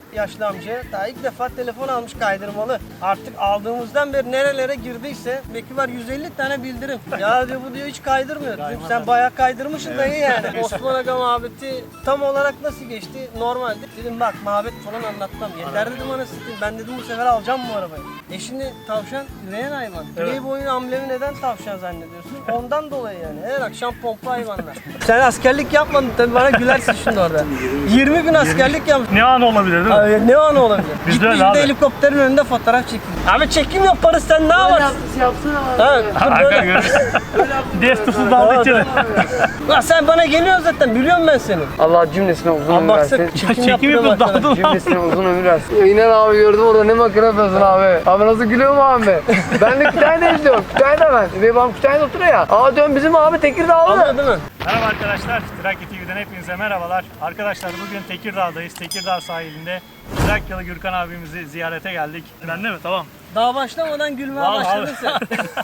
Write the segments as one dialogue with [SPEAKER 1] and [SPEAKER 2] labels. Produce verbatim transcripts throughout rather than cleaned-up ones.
[SPEAKER 1] yaşlı amcaya. Daha ilk defa telefon almış kaydırmalı. Artık aldığımızdan beri nerelere girdiyse belki var yüz elli tane bildirim. Ya diyor bu diyor hiç kaydırmıyor. Dedim, sen bayağı kaydırmışsın dayı yani. Osman Aga muhabbeti tam olarak nasıl geçti? Normalde. Dedim bak muhabbet falan anlatmam. Yeter dedim anasını satayım. Ben dedim bu sefer alacağım bu arabayı. E şimdi tavşan üreyen hayvan.
[SPEAKER 2] Evet.
[SPEAKER 1] Playboy'un amblemi neden tavşan zannediyorsun? Ondan dolayı yani. Her akşam pompa hayvanlar. Sen askerlik yapmadın tabii bana gülersin şimdi orada. yirmi gün askerlik yaptın.
[SPEAKER 2] Ne an olabilir değil mi?
[SPEAKER 1] Abi, ne an olabilir?
[SPEAKER 2] Biz de
[SPEAKER 1] Gitmiş
[SPEAKER 2] öyle abi.
[SPEAKER 1] de helikopterin önünde fotoğraf çekin. Abi çekim yaparız sen ne yaparsın? Evet,
[SPEAKER 2] Arka
[SPEAKER 1] böyle.
[SPEAKER 2] görüyoruz. Destusuz daldı içeri.
[SPEAKER 1] Lan sen bana geliyorsun zaten biliyorum ben seni.
[SPEAKER 3] Allah cümlesine uzun
[SPEAKER 1] Abi
[SPEAKER 3] ömür
[SPEAKER 1] baksana
[SPEAKER 3] versin.
[SPEAKER 1] çekim,
[SPEAKER 2] Çekim
[SPEAKER 1] yaptım
[SPEAKER 2] yapıyoruz
[SPEAKER 1] arkadaş.
[SPEAKER 2] daldın.
[SPEAKER 3] Cümlesine uzun ömür versin. İnan abi gördüm orada ne makine yapıyorsun abi. Abi nasıl gülüyor mu abi? Ben de Kütahya'da izliyorum. Kütahya'da ben. Ve babam Kütahya'da oturuyor ya. Aa diyorum bizim abi Tekirdağlı.
[SPEAKER 1] Anladın değil mi?
[SPEAKER 2] Merhaba arkadaşlar, Trakya T V'den hepinize merhabalar. Arkadaşlar bugün Tekirdağ'dayız. Tekirdağ sahilinde Trakyalı Gürkan abimizi ziyarete geldik. Ben de mi? Tamam.
[SPEAKER 1] Daha başlamadan gülmeye
[SPEAKER 2] Vallahi
[SPEAKER 1] başladın sen.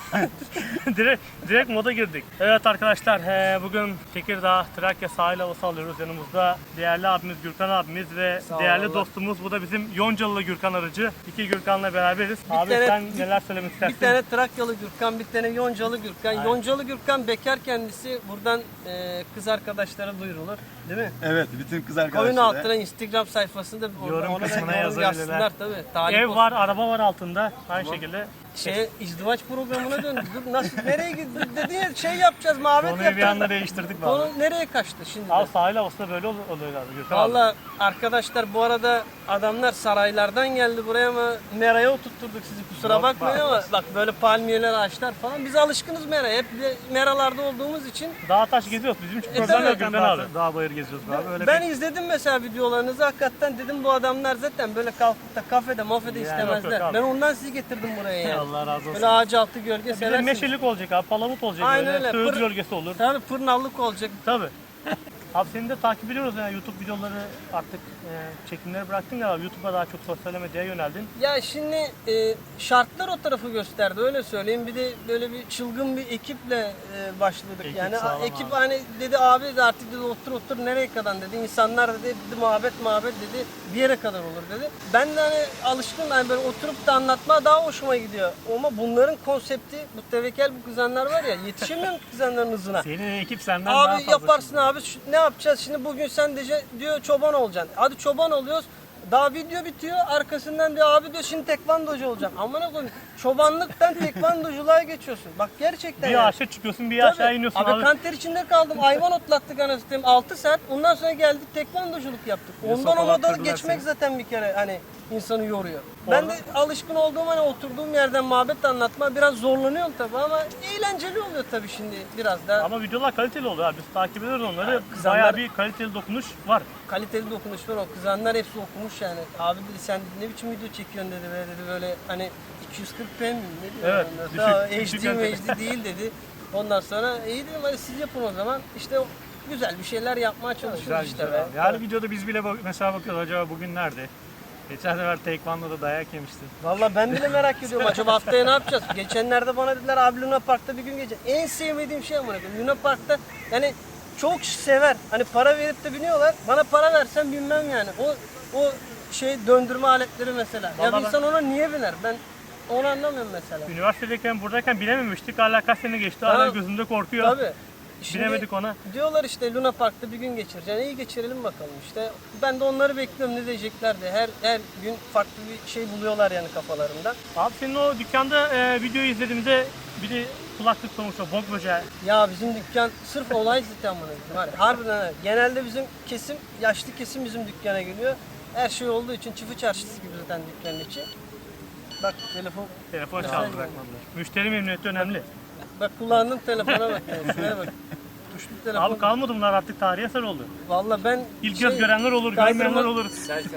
[SPEAKER 2] direkt, direkt moda girdik. Evet arkadaşlar, he, bugün Tekirdağ Trakya sahil havası alıyoruz. Yanımızda değerli abimiz Gürkan abimiz ve
[SPEAKER 1] Sağ ol,
[SPEAKER 2] değerli
[SPEAKER 1] Allah.
[SPEAKER 2] dostumuz. Bu da bizim Yoncalılı Gürkan aracı. İki Gürkan'la beraberiz. Abi
[SPEAKER 1] tane-
[SPEAKER 2] sen neler söylemek
[SPEAKER 1] Bir
[SPEAKER 2] istersin?
[SPEAKER 1] tane Trakyalı Gürkan, bir tane Yoncalı Gürkan.
[SPEAKER 2] Aynen.
[SPEAKER 1] Yoncalı Gürkan bekar kendisi. Buradan e, kız arkadaşlara duyurulur. Değil mi?
[SPEAKER 4] Evet, bütün kız
[SPEAKER 1] Koyun
[SPEAKER 4] arkadaşları.
[SPEAKER 1] altına Instagram sayfasında
[SPEAKER 2] Yorum
[SPEAKER 1] ona da
[SPEAKER 2] kısmına
[SPEAKER 1] yorum
[SPEAKER 2] yazabilirler.
[SPEAKER 1] yazsınlar tabii. Talip
[SPEAKER 2] Ev
[SPEAKER 1] olsun.
[SPEAKER 2] var, araba var altında. Aynı şekilde.
[SPEAKER 1] Şey, izdivaç programına döndü. Dur nasıl, nereye gitti? Dedin ya şey yapacağız, muhabbet
[SPEAKER 2] Konuyu bir
[SPEAKER 1] yapacağız.
[SPEAKER 2] anda değiştirdik
[SPEAKER 1] Konu
[SPEAKER 2] vallahi.
[SPEAKER 1] nereye kaçtı şimdi?
[SPEAKER 2] Abi sahil havası da böyle ol- oluyor abi Gürkan abi.
[SPEAKER 1] Valla arkadaşlar bu arada adamlar saraylardan geldi buraya ama meraya oturtturduk sizi kusura
[SPEAKER 2] Yok,
[SPEAKER 1] bakmayın
[SPEAKER 2] bak.
[SPEAKER 1] ama bak böyle palmiyeler ağaçlar falan biz alışkınız meraya hep de meralarda olduğumuz için
[SPEAKER 2] Dağ taş geziyoruz. Bizim için
[SPEAKER 1] E,
[SPEAKER 2] program
[SPEAKER 1] tabii.
[SPEAKER 2] yok Gürkan abi. Dağ bayır geziyoruz abi. Öyle
[SPEAKER 1] ben
[SPEAKER 2] bir-
[SPEAKER 1] izledim mesela videolarınızı hakikaten dedim bu adamlar zaten böyle kalkıp da kafede mafede
[SPEAKER 2] Yani
[SPEAKER 1] istemezler.
[SPEAKER 2] yok, yok abi.
[SPEAKER 1] Ben ondan sizi getirdim buraya yani.
[SPEAKER 2] Allah razı olsun.
[SPEAKER 1] Böyle ağaç altı gölge
[SPEAKER 2] Bir de
[SPEAKER 1] seversiniz.
[SPEAKER 2] meşelik olacak abi, palamut olacak
[SPEAKER 1] Aynen
[SPEAKER 2] böyle,
[SPEAKER 1] öyle.
[SPEAKER 2] söğüt
[SPEAKER 1] Pır-
[SPEAKER 2] gölgesi olur.
[SPEAKER 1] Tabii pırnallık olacak.
[SPEAKER 2] Tabii. Abi seni de takip ediyoruz yani YouTube videoları artık e, çekimleri bıraktın galiba. YouTube'a daha çok sosyal medyaya yöneldin.
[SPEAKER 1] Ya şimdi e, şartlar o tarafı gösterdi öyle söyleyeyim. Bir de böyle bir çılgın bir ekiple e, başladık.
[SPEAKER 2] Ekip
[SPEAKER 1] yani
[SPEAKER 2] sağlam
[SPEAKER 1] ekip
[SPEAKER 2] abi.
[SPEAKER 1] hani dedi abi de artık dedi otur otur nereye kadar dedi. İnsanlar dedi, dedi muhabbet muhabbet dedi bir yere kadar olur dedi. Ben de hani alışkın hani böyle oturup da anlatma daha hoşuma gidiyor. Ama bunların konsepti bu tevekel bu kızanlar var ya yetişemiyorum kızanların hızına.
[SPEAKER 2] Senin ekip senden daha
[SPEAKER 1] Abi
[SPEAKER 2] fazla.
[SPEAKER 1] yaparsın abi şu- ne yapacağız şimdi bugün sen de diyor çoban olacaksın. Hadi çoban oluyoruz. Daha video bitiyor arkasından diyor abi diyor şimdi tekvandocu olacaksın. Aman koyayım çobanlıktan tekvandoculuğa geçiyorsun. Bak gerçekten
[SPEAKER 2] Bir
[SPEAKER 1] yani.
[SPEAKER 2] aşağı çıkıyorsun, bir
[SPEAKER 1] Tabii.
[SPEAKER 2] aşağı iniyorsun
[SPEAKER 1] abi.
[SPEAKER 2] abi.
[SPEAKER 1] Kanter içinde kaldım. Hayvan otlattık anasını satayım altı saat. Ondan sonra geldik tekvandoculuk yaptık. Ondan o
[SPEAKER 2] sopalar
[SPEAKER 1] moda
[SPEAKER 2] kırdılar
[SPEAKER 1] geçmek
[SPEAKER 2] seni.
[SPEAKER 1] zaten bir kere hani insanı yoruyor. Ben de alışkın olduğum hani oturduğum yerden muhabbet anlatma biraz zorlanıyorum tabii ama eğlenceli oluyor tabii şimdi biraz da.
[SPEAKER 2] Ama videolar kaliteli oluyor abi. Biz takip ediyoruz onları.
[SPEAKER 1] kızanlar-
[SPEAKER 2] Bayağı bir kaliteli dokunuş var.
[SPEAKER 1] Kaliteli dokunuş var o kızanlar hepsi okumuş yani. Abi dedi sen ne biçim video çekiyorsun dedi ve dedi böyle hani iki yüz kırk p mi ne diyor?
[SPEAKER 2] Evet,
[SPEAKER 1] ondan
[SPEAKER 2] düşük,
[SPEAKER 1] sonra
[SPEAKER 2] düşük
[SPEAKER 1] H D
[SPEAKER 2] kalite.
[SPEAKER 1] H D değil dedi. Ondan sonra iyi dedim hadi siz yapın o zaman. İşte o güzel bir şeyler yapmaya çalışıyoruz
[SPEAKER 2] Güzel
[SPEAKER 1] işte
[SPEAKER 2] güzel
[SPEAKER 1] be.
[SPEAKER 2] abi. Her videoda biz bile bak- mesela bakıyoruz acaba bugün nerede? Geçen sefer Taekwondo'da dayak yemiştin.
[SPEAKER 1] Valla ben bile merak ediyorum acaba haftaya ne yapacağız? Geçenlerde bana dediler abi Luna Park'ta bir gün geçeceğiz. En sevmediğim şey ama Luna Park'ta yani çok sever. Hani para verip de biniyorlar. Bana para versen binmem yani. O o şey döndürme aletleri mesela. Ya
[SPEAKER 2] Vallahi
[SPEAKER 1] bir
[SPEAKER 2] ben-
[SPEAKER 1] insan ona niye biner? Ben onu anlamıyorum mesela.
[SPEAKER 2] Üniversitedeyken buradayken binememiştik. Hala kaç sene geçti. Hala
[SPEAKER 1] Ha,
[SPEAKER 2] gözümde korkuyor.
[SPEAKER 1] Tabii. Şimdi
[SPEAKER 2] Binemedik ona.
[SPEAKER 1] diyorlar işte Luna Park'ta bir gün geçireceksin. İyi geçirelim bakalım işte. Ben de onları bekliyorum ne diyecekler de. Her her gün farklı bir şey buluyorlar yani kafalarında.
[SPEAKER 2] Abi senin o dükkanda e, videoyu izlediğimde biri kulaklık sonuçta bok böceği.
[SPEAKER 1] Ya bizim dükkan sırf olay zaten bunu. Var. Harbiden öyle. Genelde bizim kesim, yaşlı kesim bizim dükkana geliyor. Her şey olduğu için çiftçi çarşısı gibi zaten dükkanın içi. Bak telefon,
[SPEAKER 2] Telefon
[SPEAKER 1] Ya.
[SPEAKER 2] çaldı bırakmadılar. Müşteri memnuniyeti önemli.
[SPEAKER 1] bak kullandığım telefona bak. Yani. Şuraya bak. Tuşlu telefon.
[SPEAKER 2] Abi kalmadı bunlar artık tarihi eser oldu.
[SPEAKER 1] Vallahi ben
[SPEAKER 2] İlk
[SPEAKER 1] şey,
[SPEAKER 2] göz görenler olur,
[SPEAKER 1] kaydırma-
[SPEAKER 2] görmeyenler olur.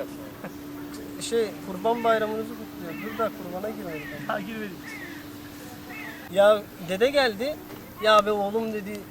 [SPEAKER 1] Şey kurban bayramınızı kutluyor. Dur da kurbana girmedik.
[SPEAKER 2] Ha girmedik.
[SPEAKER 1] Ya dede geldi. Ya be oğlum dedi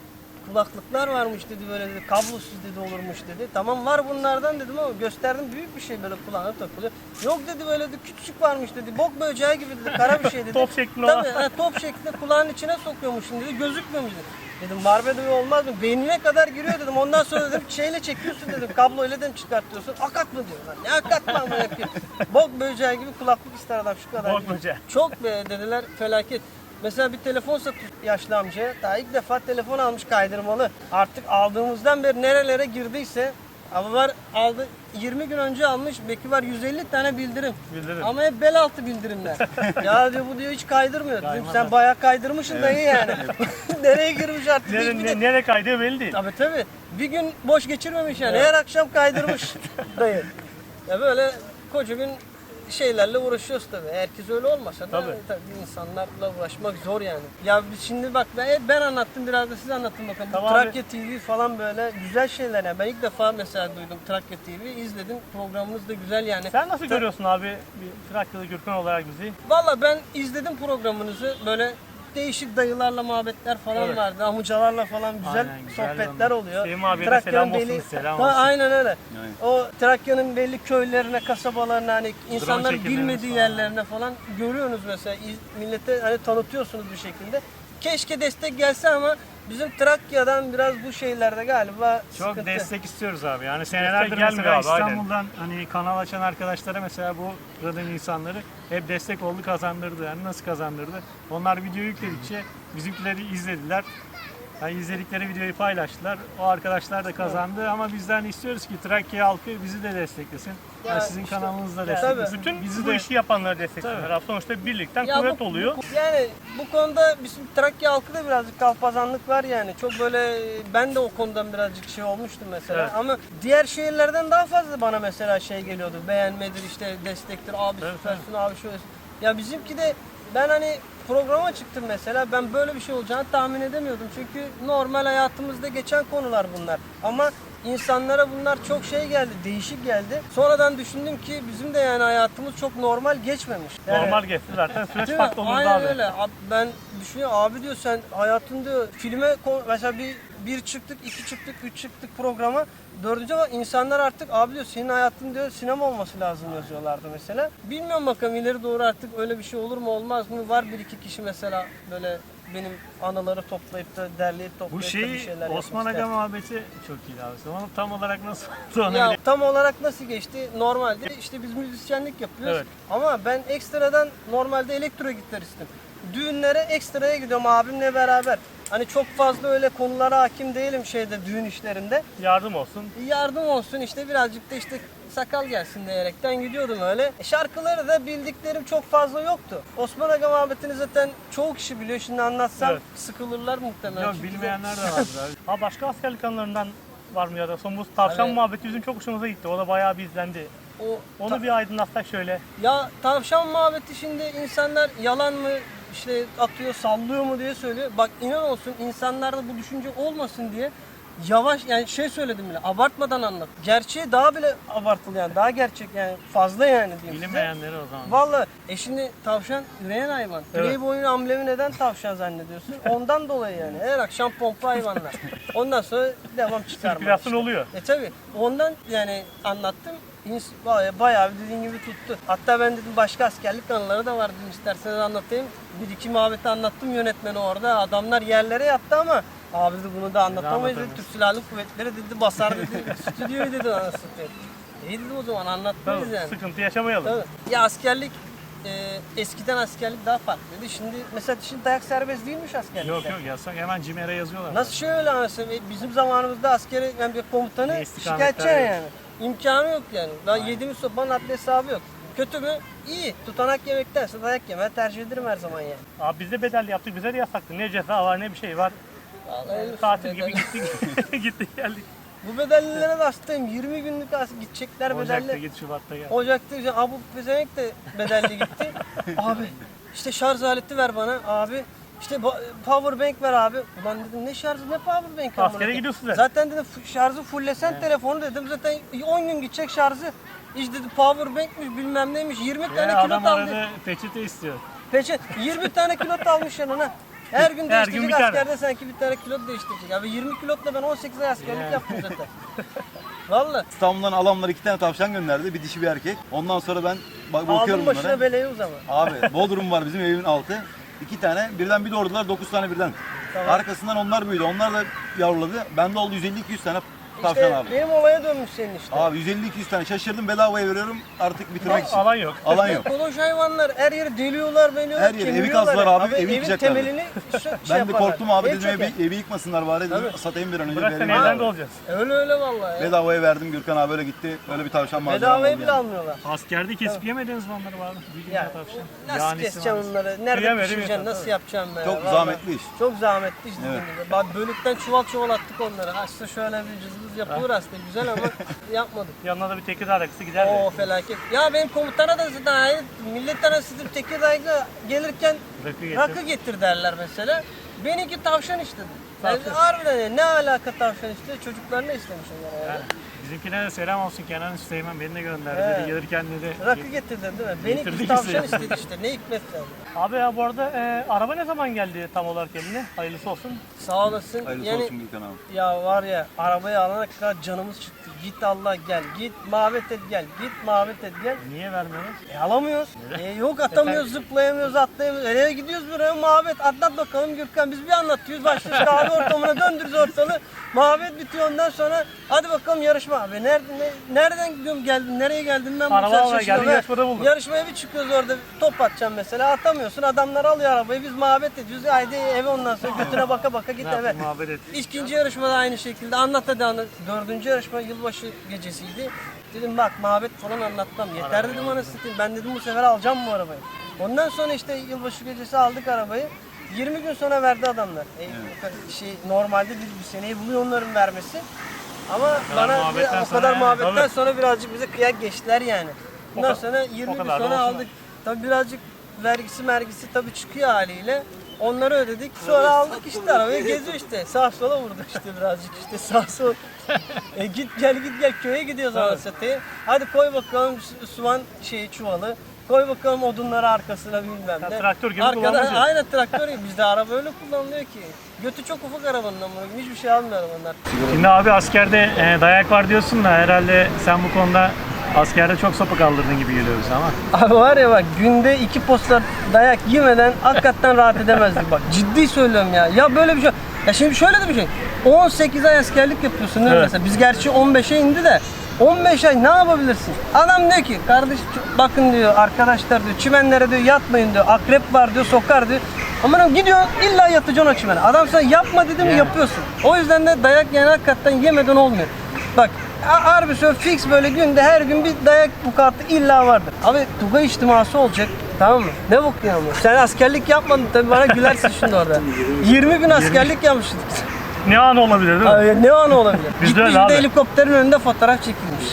[SPEAKER 1] kulaklıklar varmış dedi, böyle dedi, kablosuz dedi olurmuş dedi. Tamam var bunlardan dedim ama gösterdim, büyük bir şey böyle kulağına takılıyor. Yok dedi, böyle dedi küçücük varmış dedi, bok böceği gibi dedi, kara bir şey dedi.
[SPEAKER 2] Top şeklinde
[SPEAKER 1] Tabii
[SPEAKER 2] olan.
[SPEAKER 1] he, top şeklinde kulağın içine sokuyormuşsun dedi, gözükmüyormuş dedi. Dedim var be dedim, olmaz mı? Beynine kadar giriyor dedim. Ondan sonra dedim şeyle çekiyorsun dedim. Kabloyla dedim çıkartıyorsun. Akat mı diyorlar. Ne akat mı ama yapıyor. Bok böceği gibi kulaklık ister adam şu kadar.
[SPEAKER 2] Bok böceği.
[SPEAKER 1] Çok be dediler, felaket. Mesela bir telefon satıyor yaşlı amcaya. Daha ilk defa telefon almış kaydırmalı. Artık aldığımızdan beri nerelere girdiyse. Ama var aldı yirmi gün önce almış. Belki var yüz elli tane bildirim.
[SPEAKER 2] Bildirim.
[SPEAKER 1] Ama hep bel altı bildirimler. Ya diyor bu diyor hiç kaydırmıyor. Dedim, sen bayağı kaydırmışsın dayı yani. Nereye girmiş artık?
[SPEAKER 2] Nere,
[SPEAKER 1] Bir de-
[SPEAKER 2] ne, nereye kaydığı belli değil.
[SPEAKER 1] Tabii tabii. Bir gün boş geçirmemiş yani. Her akşam kaydırmış dayı. Ya böyle koca gün şeylerle uğraşıyoruz tabii. Herkes öyle olmasa da
[SPEAKER 2] Tabii.
[SPEAKER 1] tabii insanlarla uğraşmak zor yani. Ya biz şimdi bak ben, ben anlattım, biraz da siz anlatın bakalım. Bu
[SPEAKER 2] Tamam abi.
[SPEAKER 1] Trakya T V falan böyle güzel şeyler yani. Ben ilk defa mesela duydum Trakya T V, izledim. Programınız da güzel yani.
[SPEAKER 2] Sen nasıl görüyorsun abi bir Trakyalı Gürkan olarak bizi?
[SPEAKER 1] Valla ben izledim programınızı, böyle değişik dayılarla muhabbetler falan
[SPEAKER 2] Evet.
[SPEAKER 1] vardı. Amucalarla falan güzel
[SPEAKER 2] Aynen, güzel
[SPEAKER 1] sohbetler
[SPEAKER 2] onlar.
[SPEAKER 1] oluyor.
[SPEAKER 2] Sevim abiye de selam olsun,
[SPEAKER 1] belli-
[SPEAKER 2] selam
[SPEAKER 1] Ha,
[SPEAKER 2] olsun.
[SPEAKER 1] Aynen öyle. O Trakya'nın belli köylerine, kasabalarına, hani insanların
[SPEAKER 2] çekimlerimiz
[SPEAKER 1] bilmediği
[SPEAKER 2] falan.
[SPEAKER 1] yerlerine falan görüyorsunuz mesela. İz- Millete hani tanıtıyorsunuz bir şekilde. Keşke destek gelse ama bizim Trakya'dan biraz bu şeylerde galiba
[SPEAKER 4] Çok
[SPEAKER 1] sıkıntı.
[SPEAKER 4] destek istiyoruz abi. Yani senelerdir
[SPEAKER 2] gelmiyor
[SPEAKER 4] mesela
[SPEAKER 2] abi, aynen.
[SPEAKER 4] İstanbul'dan hani kanal açan arkadaşlara mesela bu kadın insanları hep destek oldu, kazandırdı. Yani nasıl kazandırdı? Onlar video yükledikçe bizimkileri izlediler. Yani izledikleri videoyu paylaştılar. O arkadaşlar da kazandı ama bizden istiyoruz ki Trakya halkı bizi de desteklesin.
[SPEAKER 1] Ya
[SPEAKER 4] Yani sizin
[SPEAKER 1] işte-
[SPEAKER 4] kanalınızı da
[SPEAKER 1] Ya
[SPEAKER 4] desteklesin.
[SPEAKER 2] Bütün
[SPEAKER 4] bizi
[SPEAKER 2] bu
[SPEAKER 4] de
[SPEAKER 2] işi yapanları destekliyorlar. Abi sonuçta birlikten
[SPEAKER 1] Ya
[SPEAKER 2] kuvvet
[SPEAKER 1] bu-
[SPEAKER 2] oluyor.
[SPEAKER 1] bu- yani bu konuda bizim Trakya halkı birazcık kalpazanlık var yani. Çok böyle ben de o konudan birazcık şey olmuştum mesela.
[SPEAKER 2] Evet.
[SPEAKER 1] Ama diğer şehirlerden daha fazla bana mesela şey geliyordu. Beğenmedir işte, destektir, abi
[SPEAKER 2] Evet,
[SPEAKER 1] süpersin, abi şöyle. Ya bizimki de ben hani programa çıktım mesela, ben böyle bir şey olacağını tahmin edemiyordum. Çünkü normal hayatımızda geçen konular bunlar. Ama insanlara bunlar çok şey geldi, değişik geldi. Sonradan düşündüm ki bizim de yani hayatımız çok normal geçmemiş. Yani-
[SPEAKER 2] Normal geçti zaten süreç
[SPEAKER 1] Değil mi?
[SPEAKER 2] farklı olurdu
[SPEAKER 1] Aynen
[SPEAKER 2] abi.
[SPEAKER 1] öyle. Abi ben düşünüyorum, abi diyor sen hayatın diyor filme ko- mesela bir bir çıktık, iki çıktık, üç çıktık programa. Dördüncü ama insanlar artık abi diyor senin hayatın diyor sinema olması lazım yazıyorlardı mesela. Bilmiyorum bakalım ileri doğru artık öyle bir şey olur mu olmaz mı? Var bir iki kişi mesela böyle benim anıları toplayıp da derleyip
[SPEAKER 4] bu
[SPEAKER 1] toplayıp da bir
[SPEAKER 4] şeyi
[SPEAKER 1] şeyler
[SPEAKER 4] Osman
[SPEAKER 1] yapmak
[SPEAKER 4] Aga
[SPEAKER 1] ister.
[SPEAKER 4] muhabbeti çok iyi abi. Onu tam olarak nasıl oldu onu
[SPEAKER 1] Ya
[SPEAKER 4] bile-
[SPEAKER 1] tam olarak nasıl geçti? Normalde işte biz müzisyenlik yapıyoruz.
[SPEAKER 2] Evet.
[SPEAKER 1] Ama ben ekstradan normalde elektro gitaristim. Düğünlere ekstraya gidiyorum abimle beraber. Hani çok fazla öyle konulara hakim değilim şeyde, düğün işlerinde.
[SPEAKER 2] Yardım olsun.
[SPEAKER 1] Yardım olsun işte, birazcık da işte sakal gelsin diyerekten gidiyordum öyle. E şarkıları da bildiklerim çok fazla yoktu. Osman Aga muhabbetini zaten çoğu kişi biliyor. Şimdi anlatsam
[SPEAKER 2] Evet.
[SPEAKER 1] sıkılırlar muhtemelen.
[SPEAKER 4] Yok
[SPEAKER 1] Çünkü
[SPEAKER 4] bilmeyenler de vardır abi.
[SPEAKER 2] Ha başka askerlik anılarından var mı ya da son bu tavşan
[SPEAKER 1] Evet.
[SPEAKER 2] muhabbeti bizim çok hoşumuza gitti. O da bayağı bir izlendi.
[SPEAKER 1] o
[SPEAKER 2] Onu
[SPEAKER 1] ta-
[SPEAKER 2] bir aydınlatsak şöyle.
[SPEAKER 1] Ya tavşan muhabbeti şimdi insanlar yalan mı işte atıyor, sallıyor mu diye söylüyor. Bak inan olsun insanlarda bu düşünce olmasın diye yavaş yani şey söyledim bile, abartmadan anlat. Gerçeği daha bile abartılı yani, daha gerçek yani, fazla yani diyeyim size.
[SPEAKER 4] Bilinmeyenleri o zaman.
[SPEAKER 1] Vallahi e şimdi tavşan üreyen hayvan.
[SPEAKER 2] Evet.
[SPEAKER 1] Playboy'un amblemi neden tavşan zannediyorsun? Ondan dolayı yani. Her akşam pompa hayvanlar. Ondan sonra devam çıkarma.
[SPEAKER 2] Sirkülasyon oluyor.
[SPEAKER 1] E tabi ondan yani anlattım. İns- Bayağı, bayağı dediğin gibi tuttu. Hatta ben dedim başka askerlik anıları da var dedim, isterseniz anlatayım. Bir iki muhabbeti anlattım yönetmeni orada. Adamlar yerlere yattı ama abi dedi bunu da anlatamayız dedi.
[SPEAKER 4] anlatamayız.
[SPEAKER 1] Türk Silahlı Kuvvetleri dedi basar dedi. Stüdyoyu dedi anasını satayım. İyi dedim o zaman anlatmayız
[SPEAKER 2] Tabii,
[SPEAKER 1] yani.
[SPEAKER 2] sıkıntı yaşamayalım.
[SPEAKER 1] Tabii. Ya askerlik e, eskiden askerlik daha farklıydı. Şimdi mesela şimdi dayak serbest değilmiş askerlikte.
[SPEAKER 4] Yok yok yasak hemen CİMER'e yazıyorlar.
[SPEAKER 1] Nasıl şöyle mesela bizim zamanımızda askeri yani bir komutanı
[SPEAKER 4] Ne istikametler
[SPEAKER 1] şikayetçi
[SPEAKER 4] yok.
[SPEAKER 1] yani. İmkanı yok yani. Daha yediğimiz sopanın adli hesabı yok. Kötü mü? İyi. Tutanak yemektense dayak yemeyi tercih ederim her zaman yani.
[SPEAKER 2] Abi biz de bedelli yaptık, bize de yasaktı. Ne ceza var ne bir şey var.
[SPEAKER 1] Vallahi öyle
[SPEAKER 2] Tatil
[SPEAKER 1] bedel-
[SPEAKER 2] gibi gittik, gittik geldik.
[SPEAKER 1] Bu bedellilere de hastayım. yirmi günlük as gidecekler
[SPEAKER 4] Ocak'ta
[SPEAKER 1] bedelli.
[SPEAKER 4] git Şubat'ta gel.
[SPEAKER 1] Ocak'ta işte Abu Pezevenk de bedelli gitti. Abi işte şarj aleti ver bana abi. İşte ba- power bank ver abi. Ulan dedim ne şarjı ne power bank amına
[SPEAKER 2] Askere
[SPEAKER 1] koyayım.
[SPEAKER 2] gidiyorsun zaten.
[SPEAKER 1] Zaten dedim f- şarjı fullesen telefonu dedim. Zaten on gün gidecek şarjı. İşte dedi power bankmiş bilmem neymiş. yirmi tane
[SPEAKER 4] Ya
[SPEAKER 1] kilot
[SPEAKER 4] adam
[SPEAKER 1] aldı.
[SPEAKER 4] arada peçete istiyor.
[SPEAKER 1] Peçet yirmi tane kilot almış yanına. Her gün
[SPEAKER 2] Her
[SPEAKER 1] değiştirecek
[SPEAKER 2] gün bir tane.
[SPEAKER 1] askerde sanki bir tane kilot değiştirecek. Abi yirmi kilotla ben on sekiz ay askerlik yaptım zaten. Valla.
[SPEAKER 5] İstanbul'dan alamlar iki tane tavşan gönderdi. Bir dişi bir erkek. Ondan sonra ben bak bakıyorum
[SPEAKER 1] Aldım başına
[SPEAKER 5] bunlara.
[SPEAKER 1] beleyi o zaman.
[SPEAKER 5] Abi Bodrum var bizim evimin altı. İki tane birden bir doğurdular dokuz tane birden.
[SPEAKER 1] Tamam.
[SPEAKER 5] Arkasından onlar büyüdü. Onlar da yavruladı. Bende oldu yüz elli iki yüz tane tavşan
[SPEAKER 1] İşte
[SPEAKER 5] abi.
[SPEAKER 1] benim olaya dönmüş senin işte.
[SPEAKER 5] Abi yüz elli iki yüz tane şaşırdım bedavaya veriyorum artık bitirmek için.
[SPEAKER 2] Alan yok.
[SPEAKER 5] Alan yok.
[SPEAKER 1] Koloş hayvanlar her yeri deliyorlar, beliyorlar,
[SPEAKER 5] Her yeri, evi
[SPEAKER 1] kemiriyorlar.
[SPEAKER 5] kazdılar abi, evi
[SPEAKER 1] evin
[SPEAKER 5] yıkacaklardı.
[SPEAKER 1] temelini şey
[SPEAKER 5] Ben de
[SPEAKER 1] yaparlar.
[SPEAKER 5] korktum abi
[SPEAKER 1] Ev
[SPEAKER 5] dedim
[SPEAKER 1] çöker.
[SPEAKER 5] evi, evi yıkmasınlar bari dedim
[SPEAKER 1] Tabii.
[SPEAKER 5] satayım bir an önce.
[SPEAKER 2] Bırak sen
[SPEAKER 5] vereyim
[SPEAKER 2] evden
[SPEAKER 5] abi.
[SPEAKER 2] de olacağız.
[SPEAKER 1] Öyle öyle vallahi ya.
[SPEAKER 5] Bedavaya verdim Gürkan abi öyle gitti. Öyle bir tavşan malzeme
[SPEAKER 1] Bedavaya
[SPEAKER 5] aldı
[SPEAKER 1] bile
[SPEAKER 5] yani.
[SPEAKER 1] almıyorlar.
[SPEAKER 4] Askerde kesip yemediniz mi onları abi? Büyük
[SPEAKER 1] Yani
[SPEAKER 4] tavşan.
[SPEAKER 1] nasıl
[SPEAKER 4] Yanisi
[SPEAKER 1] keseceğim
[SPEAKER 4] var.
[SPEAKER 1] onları? Nerede
[SPEAKER 2] Kıyamıyor,
[SPEAKER 1] pişireceksin?
[SPEAKER 2] değil mi?
[SPEAKER 1] Nasıl yapacağım be?
[SPEAKER 5] Çok
[SPEAKER 1] Vallahi.
[SPEAKER 5] zahmetli iş.
[SPEAKER 1] Çok zahmetli iş dediğim
[SPEAKER 5] Evet.
[SPEAKER 1] gibi. Bak bölükten çuval çuval attık onları. Aslında şöyle bir cızbız yapılır aslında güzel ama yapmadık.
[SPEAKER 2] Yanına da bir Tekirdağ rakısı gider de.
[SPEAKER 1] Oo felaket. Ya benim komutana da zaten hayır, millet arası Tekirdağ'a gelirken
[SPEAKER 2] Rakı getir.
[SPEAKER 1] rakı getir derler mesela. Benimki tavşan istedi. Yani
[SPEAKER 2] Tavşan.
[SPEAKER 1] harbiden ya, ne alaka tavşan istedi? Çocuklar ne istemiş onlara yani?
[SPEAKER 4] Yani bizimkine de selam olsun Kenan Süleyman beni de gönderdi.
[SPEAKER 1] He.
[SPEAKER 4] Dedi, gelirken dedi.
[SPEAKER 1] Rakı getirdin değil mi? Benimki
[SPEAKER 4] Getirdik
[SPEAKER 1] tavşan
[SPEAKER 4] işte.
[SPEAKER 1] istedi işte. Ne hikmet yani.
[SPEAKER 2] Abi ya bu arada e, araba ne zaman geldi tam olarak eline? Hayırlısı olsun.
[SPEAKER 1] Sağ olasın.
[SPEAKER 5] Hayırlısı
[SPEAKER 1] yani
[SPEAKER 5] olsun Gürkan abi.
[SPEAKER 1] ya var ya arabayı alana kadar canımız çıktı. Git Allah gel. Git muhabbet et gel. Git muhabbet et gel.
[SPEAKER 4] Niye vermiyoruz?
[SPEAKER 1] E alamıyoruz. E, yok atamıyoruz, zıplayamıyoruz, atlayamıyoruz. Nereye gidiyoruz buraya muhabbet. Anlat bakalım Gürkan. Biz bir anlatıyoruz. Başlıyoruz kahve ortamına döndürüyoruz ortalığı. Muhabbet bitiyor ondan sonra hadi bakalım yarışma abi. Nerede, ne, nereden gidiyorum geldim, nereye geldim ben bu
[SPEAKER 2] Araba
[SPEAKER 1] sefer
[SPEAKER 2] almaya
[SPEAKER 1] şaşırıyorum.
[SPEAKER 2] geldin,
[SPEAKER 1] Ha,
[SPEAKER 2] yarışmada buldun.
[SPEAKER 1] Yarışmaya bir çıkıyoruz orada top atacağım mesela atamıyorsun. Adamlar alıyor arabayı biz muhabbet ediyoruz. Haydi eve ondan sonra götüne baka baka git
[SPEAKER 4] Ne
[SPEAKER 1] eve.
[SPEAKER 4] yaptın muhabbet et.
[SPEAKER 1] İkinci yarışmada aynı şekilde anlat hadi anlat. Dördüncü yarışma yılbaşı gecesiydi. Dedim bak muhabbet falan anlatmam. Yeter dedim anasını satayım. Ben dedim bu sefer alacağım bu arabayı. Ondan sonra işte yılbaşı gecesi aldık arabayı. yirmi gün sonra verdi adamlar. E, şey normalde bir, bir seneyi buluyor onların vermesi. Ama bana bir-
[SPEAKER 4] muhabbetten
[SPEAKER 1] o
[SPEAKER 4] sonra
[SPEAKER 1] kadar
[SPEAKER 4] yani,
[SPEAKER 1] muhabbetten
[SPEAKER 2] tabii.
[SPEAKER 1] sonra birazcık bize kıyak geçtiler yani. Ondan
[SPEAKER 2] O ka-
[SPEAKER 1] sonra yirmi
[SPEAKER 2] o
[SPEAKER 1] gün
[SPEAKER 2] kadar da
[SPEAKER 1] sonra
[SPEAKER 2] olsun.
[SPEAKER 1] aldık. Tabii birazcık vergisi mergisi tabii çıkıyor haliyle. Onları ödedik. Sonra aldık işte arabayı geziyor işte. Sağ sola vurdu işte birazcık işte sağ sol. E git gel git gel köye gidiyoruz anasını satayım. Hadi koy bakalım su- soğan şeyi çuvalı. Koy bakalım odunları arkasına bilmem ne.
[SPEAKER 2] Ya traktör gibi
[SPEAKER 1] Arkadan,
[SPEAKER 2] kullanılıyor.
[SPEAKER 1] aynen traktör gibi. Bizde araba öyle kullanılıyor ki. Götü çok ufak arabanın ama hiçbir şey almıyor onlar.
[SPEAKER 4] Şimdi abi askerde e, dayak var diyorsun da herhalde sen bu konuda askerde çok sopa kaldırdın gibi geliyor bize ama.
[SPEAKER 1] Abi var ya bak günde iki posta dayak yemeden hakikaten rahat edemezdik bak. Ciddi söylüyorum ya. Ya böyle bir şey. Ya şimdi şöyle de bir şey. on sekiz ay askerlik yapıyorsun değil mi
[SPEAKER 2] Evet.
[SPEAKER 1] mesela? Biz gerçi on beşe indi de on beş ay ne yapabilirsin? Adam diyor ki kardeş bakın diyor arkadaşlar diyor çimenlere diyor yatmayın diyor. Akrep var diyor sokar diyor. Ama gidiyor illa yatacaksın o çimene. Adam sana yapma dedi mi
[SPEAKER 4] Yani.
[SPEAKER 1] yapıyorsun. O yüzden de dayak yani hakikaten yemeden olmuyor. Bak ha- harbi söyle fix böyle günde her gün bir dayak vukuatı illa vardır. Abi Tugay içtiması olacak tamam mı? Ne bok ya bu? Sen askerlik yapmadın tabii bana gülersin şimdi orada. yirmi gün askerlik yapmışsın.
[SPEAKER 2] Ne an olabilir değil mi?
[SPEAKER 1] Abi, ne an olabilir?
[SPEAKER 2] Biz de
[SPEAKER 1] Gitmiş
[SPEAKER 2] öyle
[SPEAKER 1] bir de
[SPEAKER 2] abi.
[SPEAKER 1] helikopterin önünde fotoğraf çekilmiş.